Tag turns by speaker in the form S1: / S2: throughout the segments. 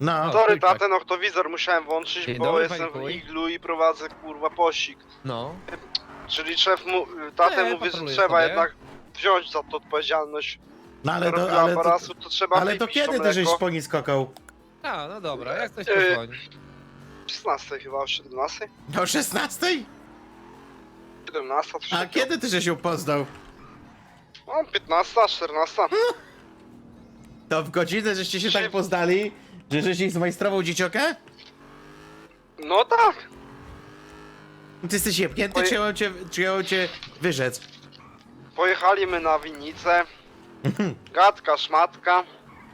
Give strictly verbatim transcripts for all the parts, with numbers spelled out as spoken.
S1: No.
S2: Sorry,
S3: tak.
S2: tatę, noktowizor musiałem włączyć,
S3: Dzień
S2: bo
S3: dobry,
S2: jestem
S3: panie
S2: w
S3: Kuj.
S2: iglu i prowadzę kurwa pościg.
S3: No.
S2: Czyli szef mu, tatę
S3: Nie,
S2: mówi, że
S3: patroluję
S2: trzeba
S3: sobie.
S2: jednak wziąć za to odpowiedzialność.
S1: No ale
S2: Skoro
S1: to,
S2: była
S1: ale to,
S2: parasu, to trzeba
S1: ale to
S2: wypić
S1: kiedy ty żeś
S2: mleko.
S1: po nic skakał?
S3: A, no dobra, jak coś
S2: Yy,
S3: pozwoli.
S2: szesnastej chyba, o siedemnastej?
S1: O szesnastej?
S2: siedemnasta, coś
S1: A
S2: takiego.
S1: kiedy ty żeś ją poznał?
S2: No, piętnasta, czternasta.
S1: To w godzinę żeście się
S2: Czy-
S1: tak poznali, że żeś ich zmajstrował dzieciokę?
S2: No tak.
S1: Ty jesteś jebnięty,
S2: Oj.
S1: czy ją cię, czy ją cię wyrzec?
S2: Pojechaliśmy na winnicę. Gadka, szmatka.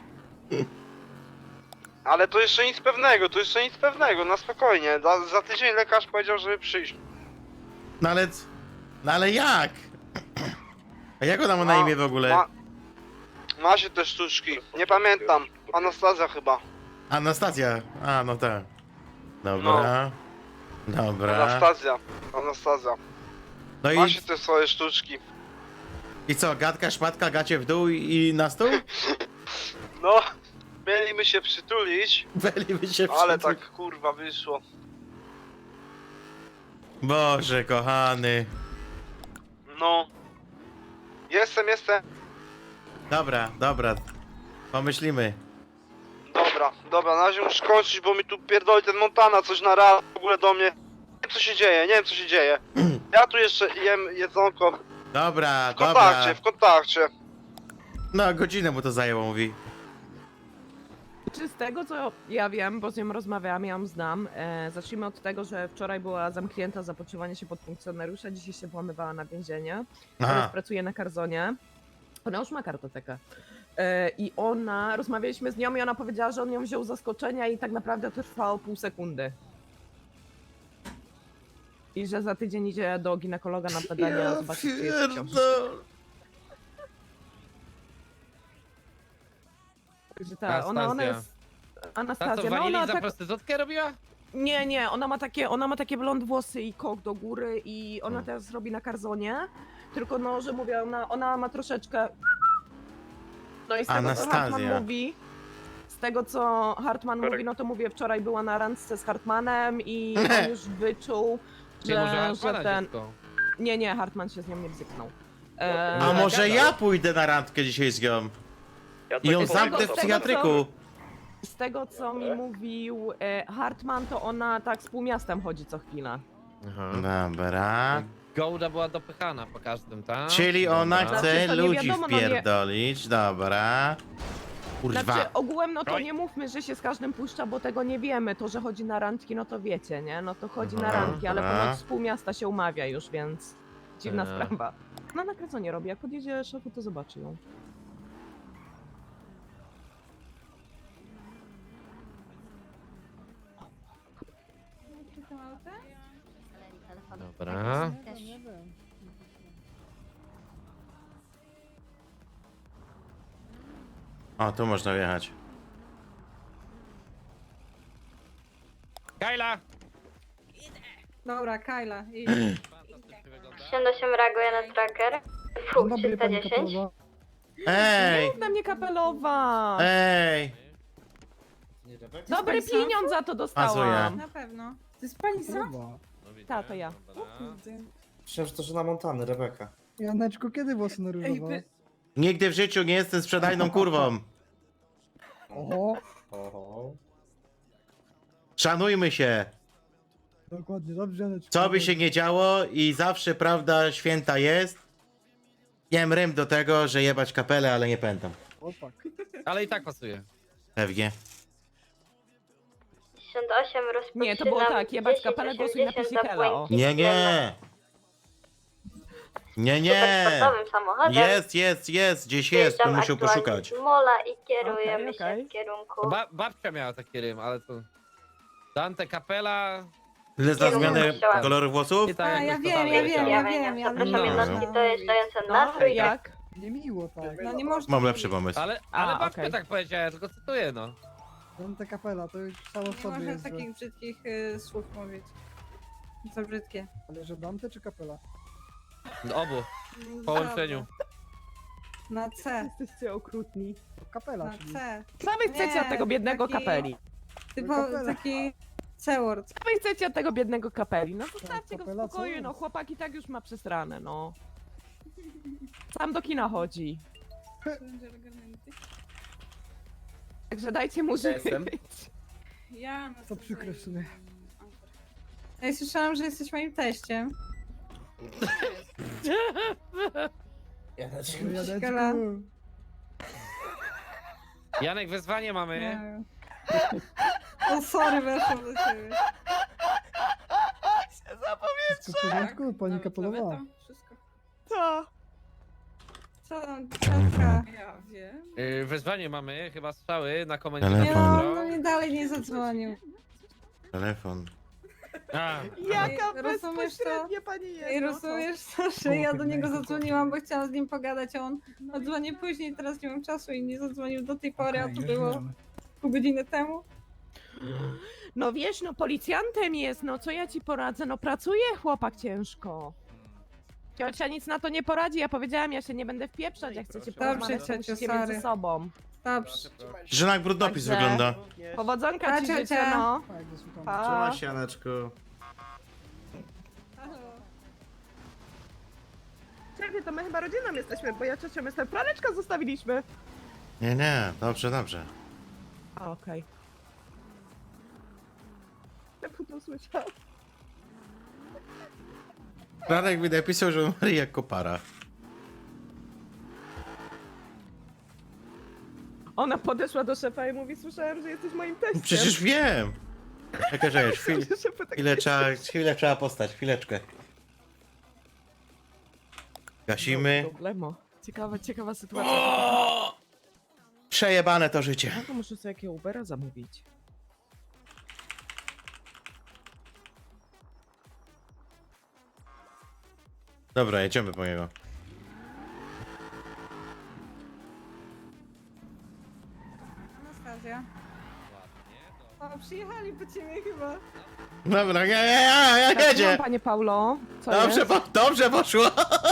S2: Ale to jeszcze nic pewnego, to jeszcze nic pewnego, na spokojnie. Za, za tydzień lekarz powiedział, żeby przyjść.
S1: No ale... No ale jak? A jak ona ma na imię w ogóle?
S2: Ma, ma się te sztuczki. Nie pamiętam. Anastazja chyba.
S1: Anastazja. A, no tak. Dobra. Dobra.
S2: Anastazja. Anastazja.
S1: No
S2: Ma
S1: i,
S2: się te swoje sztuczki.
S1: i co, gadka, szmatka, gacie w dół i, i na stół?
S2: No, mieliśmy się przytulić,
S1: Byliby się
S2: ale
S1: wszyscy-
S2: tak kurwa wyszło.
S1: Boże, kochany.
S2: No. Jestem, jestem.
S1: Dobra, dobra. Pomyślimy.
S2: Dobra, dobra, na razie muszę kończyć, bo mi tu pierdoli ten Montana coś na raz w ogóle do mnie. Nie wiem co się dzieje, nie wiem co się dzieje. Ja tu jeszcze jem jedzonko.
S1: Dobra,
S2: W kontakcie,
S1: dobra.
S2: w kontakcie.
S1: No, godzinę mu to zajęło, mówi.
S4: Czy z tego co ja wiem, bo z nią rozmawiałam, ja ją znam, e, zacznijmy od tego, że wczoraj była zamknięta za podszywanie się pod funkcjonariusza, dzisiaj się włamywała na więzienie, teraz
S1: Aha.
S4: pracuje na Karzonie. Ona już ma kartotekę. E, I ona, rozmawialiśmy z nią i ona powiedziała, że on ją wziął z zaskoczenia i tak naprawdę to trwało pół sekundy. I że za tydzień idzie do ginekologa na badania, zobaczyć, czy jest w ciąży.
S1: pierdol-
S4: Także ta, ona, ona jest...
S3: Ta co,
S4: Anastazja, no
S3: wanili
S4: ona
S3: za
S4: tak...
S3: prostytutkę robiła?
S4: Nie, nie, ona ma takie, ona ma takie blond włosy i kok do góry i ona
S1: Hmm.
S4: teraz robi na Karzonie, tylko no, że mówię, ona, ona ma troszeczkę... No i z tego, co
S1: Anastazja.
S4: Hartman mówi, z tego, co Hartman mówi, no to mówię, wczoraj była na randce z Hartmanem i on już wyczuł,
S3: Nie może
S4: że, że
S3: Hartmana
S4: ten...
S3: dziecko.
S4: Nie, nie, Hartman się z nią nie bzyknął. E,
S1: A może
S3: gadał.
S1: ja pójdę na randkę dzisiaj z nią? I ją
S4: z tego-
S1: zamknę w
S4: z tego,
S1: psychiatryku.
S4: Z tego, co mi mówił e, Hartman, to ona tak z półmiastem chodzi co chwilę.
S1: Dobra.
S3: Gołda była dopychana po każdym, tak?
S1: Czyli ona
S3: Dobra.
S1: chce
S4: Znaczy, to nie
S1: ludzi
S4: wiadomo, no nie-
S1: wpierdolić. Dobra. Kurwa.
S4: Znaczy ogółem no to
S3: Oj.
S4: nie mówmy, że się z każdym puszcza, bo tego nie wiemy. To, że chodzi na randki, no to wiecie, nie? No to chodzi na
S1: Aha,
S4: randki, ale
S1: dobra.
S4: ponoć z pół miasta się umawia już, więc dziwna
S3: Eee.
S4: sprawa. No na co nie robi, jak podjedzie szefu, to zobaczy ją.
S3: Dobra.
S1: O, tu można wjechać.
S3: Kajla!
S5: Dobra, Kajla. I...
S6: siedemdziesiąt osiem reaguje na tracker. Fu, trzysta dziesięć.
S1: Ej!
S4: Mów na mnie kapelowa!
S1: Ej!
S4: Dobry
S5: Pani
S4: pieniądz za to dostałam!
S5: Na pewno. To jest pani sam?
S4: Ta, to ja.
S7: Myślałem, że to żona Montany, Rebeka.
S8: Janeczku, kiedy włosy na
S5: Ej,
S8: różowo?
S5: wy...
S1: Nigdy w życiu nie jestem sprzedajną kurwą.
S8: Oho,
S7: Oho.
S1: Szanujmy się.
S8: dokładnie, dobrze Janeczku.
S1: Co by się nie działo i zawsze prawda święta jest. Jem rym do tego, że jebać kapelę, ale nie pętam.
S8: Opak.
S3: Ale i tak pasuje.
S1: Pewnie.
S6: pięćdziesiąt osiem rozpoczynam.
S4: Nie, to było tak, jebać kapelę, głosuj na
S6: dziesięć osiemdziesiąt
S4: Pisikela, o.
S1: Nie, nie. Nie, nie.
S6: Supersportowym samochodem.
S1: Jest, jest, jest. Gdzieś jest. Tu
S6: Wjeżdżam
S1: musiał
S6: aktualnie
S1: poszukać.
S6: z mola i kierujemy
S4: Okej, okej.
S6: się w kierunku...
S3: Ba babcia miała taki rym, ale to... Dante Capella...
S1: Ile za zmianę koloru włosów?
S3: I tak
S5: A, ja
S3: jakoś
S5: wiem,
S3: totalnie
S5: ja wiem, ja
S3: leciała.
S5: wiem. Ja
S6: Zapraszam
S3: No.
S6: jednostki dojeżdżające na
S4: No,
S6: trójkę.
S4: jak?
S8: Niemiło tak.
S5: No nie można...
S1: Mam lepszy pomysł.
S3: Ale,
S4: A,
S3: ale babcia
S4: okej.
S3: tak powiedziała, ja tylko cytuję, no.
S8: Dante Capella, to już samo w
S5: Nie
S8: sobie
S5: można
S8: jest złe.
S5: takich brzydkich y, słów mówić. Co brzydkie.
S8: Ale że Dante czy Capella?
S3: No, obu. W połączeniu.
S5: Na C.
S4: Jesteście okrutni.
S8: To Capella,
S5: Na
S8: czyli...
S5: C.
S4: Co wy chcecie
S5: Nie,
S4: od tego biednego
S5: taki-
S4: kapeli?
S5: Typo
S8: Kapela.
S5: taki C-word.
S4: Co wy chcecie od tego biednego kapeli? No zostawcie go w
S8: kapela, co
S4: spokoju,
S8: jest?
S4: no chłopak i tak już ma przesrane, no. Sam do kina chodzi. Także dajcie mu żyć.
S5: Ja
S8: To przykre w sumie.
S5: Ja słyszałam, że jesteś moim teściem.
S7: Janeczku.
S5: Kala.
S8: Janeczku.
S3: Janek, wezwanie mamy.
S5: Nie wiem. O, sorry, weszłam do ciebie.
S8: Wszystko w porządku? Pani kapelowa.
S5: Wszystko.
S4: Co?
S5: Co tam, Katka?
S9: Ja wiem.
S3: Yy, wezwanie mamy, chyba strzały na komendzie.
S1: Telefon.
S5: Nie no, no nie dalej nie zadzwonił.
S1: Telefon.
S3: A,
S4: Jaka
S5: Ej, rozumiesz to?
S4: bezpośrednia pani jest.
S5: I
S4: no
S5: rozumiesz to, że ja do niego zadzwoniłam, bo chciałam z nim pogadać, a on odzwoni później, teraz nie mam czasu i nie zadzwonił do tej pory, a to było pół godziny temu.
S4: No wiesz, no policjantem jest, no co ja ci poradzę? No pracuje chłopak ciężko. Ciocia nic na to nie poradzi, ja powiedziałam, ja się nie będę wpieprzać, jak chcecie
S5: Dobrze,
S4: porozmawiać, to
S5: ciociu,
S4: musicie
S5: sorry.
S4: między sobą.
S5: Dobrze.
S1: Żona jak brudnopis
S4: Także-
S1: wygląda.
S4: Powodzonka
S5: Pa,
S4: ci
S5: ciocia.
S4: życzę, no.
S8: Tak, zasłucham.
S4: Pa.
S7: Trzymaj się, Janeczku.
S4: Czekaj, to my chyba rodziną jesteśmy, bo ja ciocią jestem. Praleczka zostawiliśmy.
S1: Nie, nie, dobrze, dobrze.
S4: A, okej. Ja to słyszałam.
S1: Franek mi napisał, że umarł jak kopara.
S4: Ona podeszła do szefa i mówi, słyszałem, że jesteś moim teściem.
S1: Przecież wiem. Czekaj, czekaj, chwil,
S4: Szef tak-
S1: chwilę trzeba, chwilę trzeba postać, chwileczkę. Gasimy.
S4: Problemo. Ciekawa, ciekawa sytuacja.
S1: Przejebane to życie.
S4: No to muszę sobie jakiego Ubera zamówić.
S1: Dobra, jedziemy po niego.
S5: Anastazja. O, przyjechali po ciebie chyba.
S1: Dobra, ja, ja, ja, ja
S4: Tak,
S1: jedzie.
S4: panie Paulo, co
S1: Dobrze,
S4: jest?
S1: po, dobrze poszło.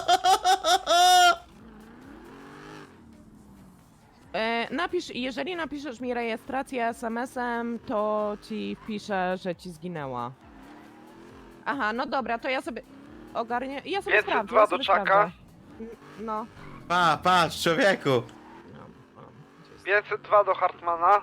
S4: E, napisz, jeżeli napiszesz mi rejestrację es em esem, to ci wpiszę, że ci zginęła. Aha, no dobra, to ja sobie ogarnię. Ja sobie
S2: pięćset
S4: sprawdzę.
S2: dwa
S4: Ja
S2: do
S4: sobie
S2: czaka.
S4: sprawdzę. N- No.
S1: Pa, patrz, człowieku.
S4: no, no, gdzie jest?
S2: pięćset dwa do Hartmana.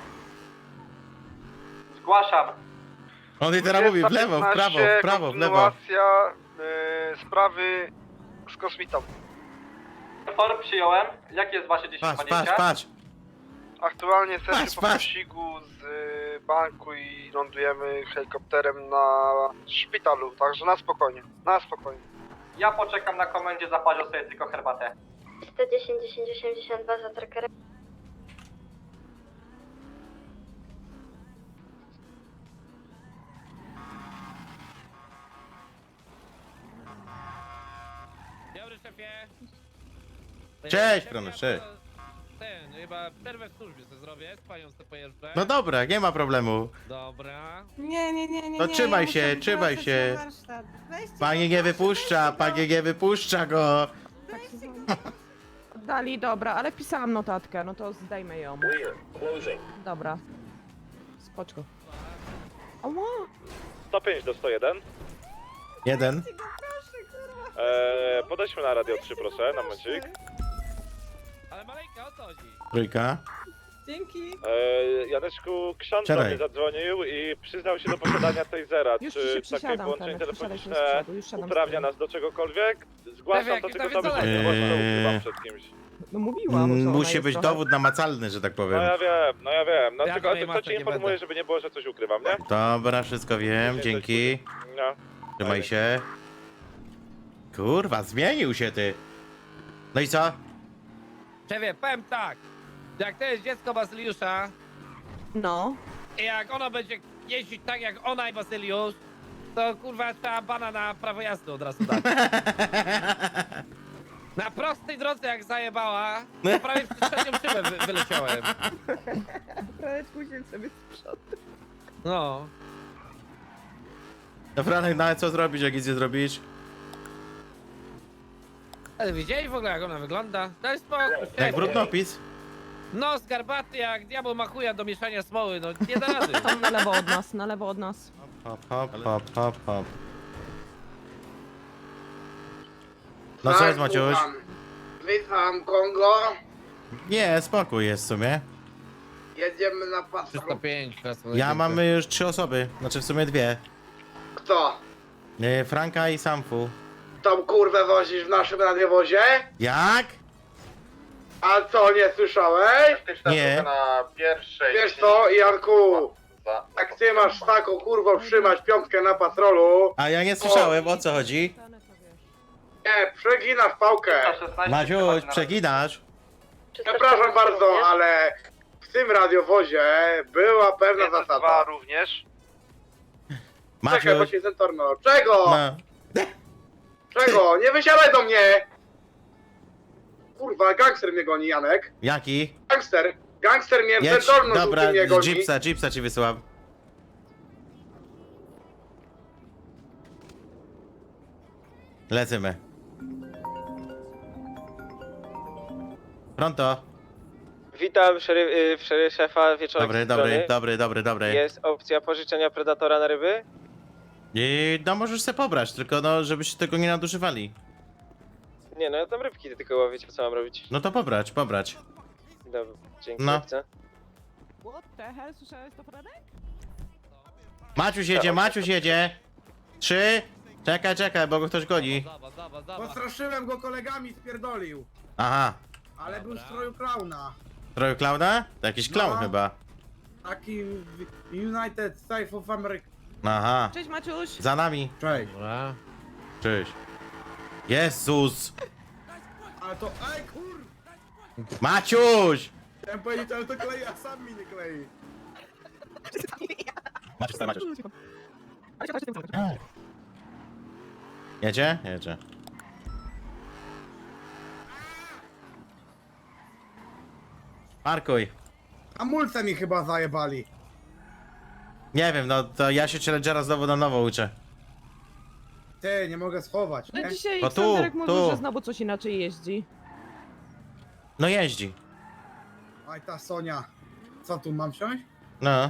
S2: Zgłaszam.
S1: On i teraz mówi w lewo, w prawo, w prawo, w lewo.
S2: Kontynuacja y, sprawy z kosmitą.
S10: Tor przyjąłem. Jakie jest wasze
S1: Patrz, patrz, patrz.
S2: Aktualnie jesteśmy
S1: Patrz,
S2: po
S1: patrz.
S2: pościgu z y, banku i lądujemy helikopterem na szpitalu, także na spokojnie, na spokojnie.
S10: Ja poczekam na komendzie, zaparzę sobie tylko herbatę.
S6: sto dziesięć, dziesięć, osiemdziesiąt dwa za trackerem.
S3: dobry szefie.
S1: Cześć,
S3: Szefie,
S1: Prony,
S3: ja
S1: cześć.
S3: to- Ten, chyba przerwę w służbie sobie zrobię, z panią sobie pojeżdżę.
S1: No dobra, nie ma problemu.
S3: Dobra.
S5: Nie, nie, nie, nie.
S1: To
S5: nie,
S1: trzymaj
S5: ja
S1: się,
S5: muszę
S1: trzymaj
S5: wracać
S1: się.
S5: na warsztat. Weźcie
S1: Pani
S5: go,
S1: nie
S5: proszę,
S1: wypuszcza,
S5: weźcie go.
S1: pani nie wypuszcza go.
S4: Dali, dobra, ale pisałam notatkę, no to zdejmę ją. Dobra. Spoczko. Ała!
S10: sto pięć do sto jeden.
S1: Jeden.
S10: Eee, podejdźmy na radio trzy, proszę, na momencik.
S3: Ale Malejka, o co chodzi?
S1: Trójka.
S5: Dzięki.
S10: Eee, Janeczku, ksiądz do
S1: Siadaj.
S10: mnie zadzwonił i przyznał się do posiadania tasera.
S4: Już ci
S10: Czy
S4: się
S10: takie
S4: przysiadam,
S10: połączenie
S4: Fenek, przysiadaj się z
S10: telefoniczne
S4: przodu, już siadam z
S10: uprawnia
S4: tyłu.
S10: nas do czegokolwiek? Zgłaszam
S3: Pewnie,
S10: to
S3: jaki
S10: tylko
S3: to
S10: sobie,
S3: jest
S10: że
S1: dalej.
S10: głośno ukrywam przed kimś.
S4: No mówiłam, że
S1: Mm,
S4: ona
S1: Musi
S4: jest
S1: być
S4: trochę...
S1: dowód namacalny, że tak
S10: No
S1: powiem.
S10: ja wiem, no ja wiem. No
S3: Ja
S10: tylko,
S3: tutaj
S10: tylko
S3: masek
S10: cię
S3: nie
S10: informuję,
S3: będę.
S10: żeby nie było, że coś ukrywam, nie?
S1: Dobra, wszystko wiem, dzięki.
S10: No.
S1: Trzymaj się. Kurwa, zmienił się ty. No i co?
S3: Szefie, powiem tak. Jak to jest dziecko Bazyliusza
S4: No.
S3: i jak ono będzie jeździć tak jak ona i Bazyliusz, to kurwa trzeba bana na prawo jazdy od razu dać. Na prostej drodze jak zajebała, to prawie przez trzecią szybę wy wyleciałem.
S4: Praleczku się sobie z przodu.
S3: No.
S1: No Franek, no ale co zrobić, jak nic nie zrobisz?
S3: Ale widzieli w ogóle jak ona wygląda? Daj spokój,
S1: Jak
S3: szefie.
S1: brudnopis?
S3: No, skarbaty jak diabeł ma chuja do mieszania smoły, no nie da rady.
S4: Tam na lewo od nas, na lewo od nas.
S1: Hop, hop, hop, hop, hop. No co jest, Maciuś?
S2: Witam, Kongo.
S1: Nie, spokój jest w sumie.
S2: Jedziemy na patrol.
S3: trzysta pięć.
S1: Ja mamy już trzy osoby, znaczy w sumie dwie.
S2: Kto?
S1: Yy, Franka i Samfu.
S2: Tą kurwę wozisz w naszym radiowozie?
S1: Jak?
S2: A co, nie słyszałeś?
S1: Nie.
S10: Na pierwszej.
S2: Wiesz co, Janku, jak ty masz taką kurwą trzymać piątkę na patrolu,
S1: A ja nie słyszałem, o co chodzi?
S2: nie, przeginasz pałkę.
S1: Maciuś, przeginasz?
S2: Przepraszam bardzo, ale w tym radiowozie była pewna zasada. również. Czekaj, bo
S1: Maciuś,
S2: się zentorno. Czego?
S1: no.
S2: Czego? Nie wysiadaj do mnie! Kurwa, gangster mnie goni, Janek.
S1: Jaki?
S2: Gangster. Gangster mnie w
S1: Jedź,
S2: zentorno
S1: dobra,
S2: żółtym mnie goni.
S1: jeepsa, jeepsa ci wysyłam. Lecimy. Pronto.
S9: Witam szeryf, y, w szeryf szefa wieczorem.
S1: Dobry, dobry, dobry, dobry, dobry.
S9: Jest opcja pożyczenia predatora na ryby?
S1: I no możesz se pobrać, tylko no żebyście tego nie nadużywali.
S9: Nie, no ja tam rybki tylko łowię, co mam robić?
S1: No to pobrać, pobrać.
S9: Dobra, dzięki,
S1: No.
S9: no. Chcę.
S4: What the hell, słyszałeś to, Franek?
S1: Maciuś jedzie, Maciuś jedzie. Trzy. Czekaj, czekaj, bo go ktoś goni.
S3: Zobacz, zobacz, zobacz.
S2: Postraszyłem go kolegami, spierdolił.
S1: Aha.
S2: Ale był w
S3: Dobra.
S2: stroju klauna.
S1: Trochę klauna? To jakiś klaun
S2: No.
S1: chyba.
S2: Taki United States of America.
S1: Aha.
S4: Cześć Maciuś!
S1: Za nami.
S2: Cześć.
S3: Dobra.
S1: Cześć. Jezus.
S2: Ale to, ej kur...
S1: Maciuś!
S2: Chciałem powiedzieć, ale to klei, a sam mi nie klei.
S1: Maciuś, stary, Maciuś. Jedzie? Jedzie. Parkuj.
S2: Hamulce mi chyba zajebali.
S1: Nie wiem, no to ja się Challengera znowu na nowo uczę.
S2: Ty, nie mogę schować,
S4: No
S2: nie?
S4: dzisiaj
S1: To tu,
S4: Ksanderek mówił,
S1: tu.
S4: że znowu coś inaczej jeździ.
S1: No jeździ.
S2: Aj ta Sonia. Co tu, mam wsiąść?
S1: No.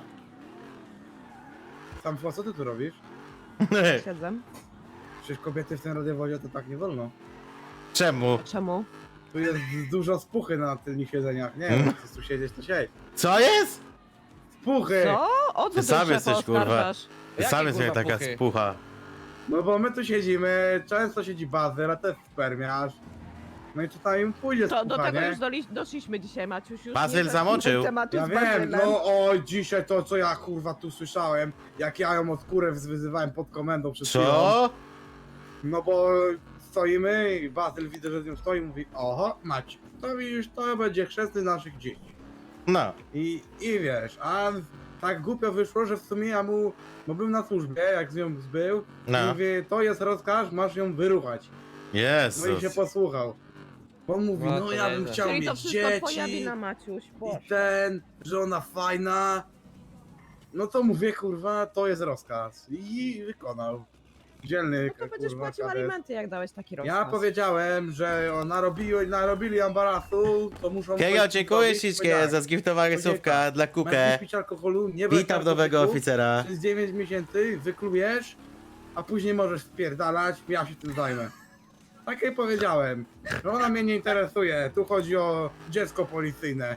S2: Sam co ty tu robisz?
S4: Siedzę.
S2: Przecież kobiety w tym radiowozie to tak nie wolno.
S1: Czemu?
S4: Czemu?
S2: Tu jest dużo spuchy na tylnych siedzeniach. Nie
S1: Hmm?
S2: wiem, chcesz tu siedzieć, to siedź.
S1: Co jest?
S2: Spuchy!
S4: Co? O co
S1: Ty sam
S4: szefa
S1: jesteś, kurwa.
S4: oskarżasz?
S1: Ty
S3: Jakie,
S1: sam jest
S3: kurwa,
S1: taka
S3: puchy?
S1: spucha.
S2: No bo my tu siedzimy, często siedzi Bazyl, a też spermiarz. No i czasami im pójdzie
S4: To do
S2: spucha,
S4: tego
S2: nie?
S4: już doli, doszliśmy dzisiaj, Maciuś. Już
S1: Bazyl
S4: nie
S1: zamoczył.
S4: tematu
S2: Ja
S4: z
S2: wiem,
S4: Bazylem.
S2: no oj, dzisiaj to co ja kurwa tu słyszałem, jak ja ją od skórę wyzywałem pod komendą przed chwilą.
S1: Co?
S2: No bo stoimy i Bazyl widzę, że z nią stoi i mówi, oho, Macie, to widzisz, to będzie chrzestny naszych dzieci.
S1: No.
S2: I, I wiesz, a tak głupio wyszło, że w sumie ja mu, bo był na służbie, jak z nią zbył,
S1: No.
S2: i mówię, to jest rozkaz, masz ją wyruchać. No i się
S1: Jezus.
S2: posłuchał. On mówi,
S3: No
S2: no
S3: to
S2: ja bym
S3: nieźle.
S2: chciał
S4: Czyli to
S2: mieć
S4: wszystko twoja
S2: dzieci
S4: wina, Maciuś. Boże.
S2: i ten, że ona fajna. No to mówię, kurwa, to jest rozkaz. I wykonał. Dzielny,
S4: No to będziesz
S2: kurwa,
S4: płacił
S2: kadet.
S4: alimenty, jak dałeś taki rozkaz.
S2: Ja powiedziałem, że narobili, narobili ambarasu, to muszą...
S1: Kiego,
S2: coś
S1: dziękuję
S2: zrobić.
S1: ślicznie
S2: Powiedziałem,
S1: za zgiftowanie
S2: Powiedziałem
S1: słówka
S2: tak,
S1: dla
S2: Masz
S1: Kukę.
S2: nie pić alkoholu, nie brać
S1: Witam nowego
S2: narkotyków,
S1: oficera.
S2: Przez dziewięć miesięcy wyklujesz, a później możesz spierdalać, ja się tym zajmę. Tak jej powiedziałem. Że ona mnie nie interesuje, tu chodzi o dziecko policyjne.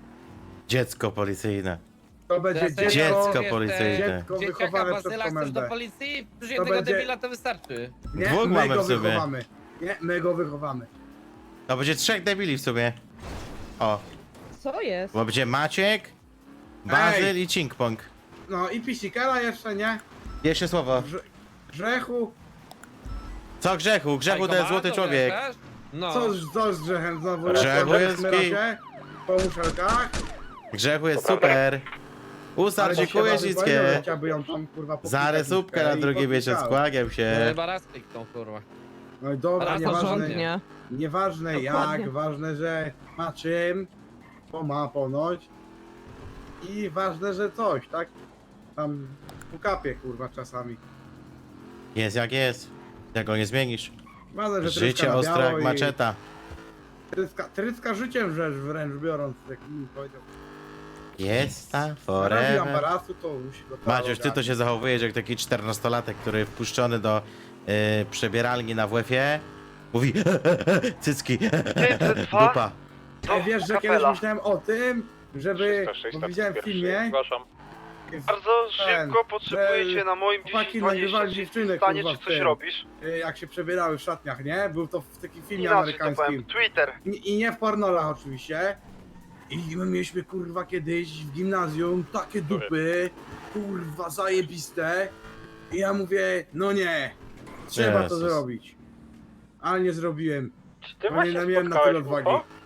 S1: Dziecko policyjne.
S2: To będzie
S3: Teraz
S2: dziecko,
S1: Dziecko
S3: wiesz,
S1: policyjne.
S2: dziecko
S3: Dzieciaka
S2: wychowane przez
S3: Bazyla chcesz do
S2: komendę.
S3: policji? Już
S2: To
S3: jednego
S2: będzie-
S3: debila to wystarczy.
S2: Nie,
S1: Dwóch
S2: my
S1: mamy
S2: go
S1: w sumie.
S2: wychowamy. Nie, my go wychowamy.
S1: To będzie trzech debili w sumie. O,
S4: Co jest?
S1: bo będzie Maciek, Bazyl i Cinkpong.
S2: No i pisikera jeszcze, nie?
S1: Jeszcze słowo.
S2: Grze grzechu.
S1: Co grzechu? Grzechu to jest złoty
S3: Komando,
S1: człowiek.
S3: wiesz? No.
S2: Co, z- co z grzechem znowu?
S1: Grzechu
S2: Lecą
S1: jest
S2: w Smyrosie,
S1: gej.
S2: po muszelkach.
S1: Grzechu jest super. Usar,
S2: Ale
S1: dziękuję
S2: się bawi, powiedział,
S1: ślickie.
S2: że chciałby ją tam, kurwa,
S1: Za
S2: popikać
S1: resupkę na
S2: i
S1: drugi
S2: popikał.
S1: miesiąc, kłagiem
S3: No,
S1: się.
S3: chyba raz kliknął, kurwa.
S2: No i dobra,
S3: Raz
S2: nieważne,
S4: Porządnie.
S2: nieważne
S4: Dokładnie.
S2: jak, ważne, że ma czym, bo ma ponoć. I ważne, że coś, tak? Tam ukapie, kurwa, czasami.
S1: Jest jak jest. Jak go nie zmienisz.
S2: Ważne, że
S1: Życie
S2: tryska na
S1: ostre
S2: biało
S1: jak
S2: i-
S1: maczeta.
S2: Tryska, tryska życiem rzecz wręcz biorąc, jak mi powiedział.
S1: Jest ta
S2: Robi
S1: forever.
S2: ambarasu, to musi go
S1: Maciuś, ty to się zachowujesz jak taki czternastolatek, który wpuszczony do y, przebieralni na W F-ie mówi cycki, dupa.
S2: Ej, wiesz, że kiedyś myślałem o tym, żeby,
S10: trzysta sześć,
S2: bo widziałem w filmie,
S10: Zgłaszam.
S2: jest,
S9: Bardzo
S2: ten,
S9: szybko potrzebujecie
S2: że
S9: na moim
S2: chłopaki
S9: dziesięć dwadzieścia
S2: nagrywali
S9: czy
S2: dziewczyny,
S9: stanie,
S2: kurwa,
S9: czy
S2: w
S9: coś
S2: tym.
S9: robisz?
S2: y, jak się przebierały w szatniach, nie? Był to w takim filmie
S9: Inaczej to powiem.
S2: amerykańskim.
S9: Twitter.
S2: I, I nie w pornolach oczywiście. I my mieliśmy kurwa kiedyś w gimnazjum takie dupy, kurwa zajebiste. I ja mówię, no nie, trzeba to
S1: Jezus.
S2: zrobić. Ale nie zrobiłem.
S10: Czy ty
S2: Bo
S10: właśnie
S2: nie miałem na
S10: spotkałeś
S2: tyle odwagi.
S10: U F O?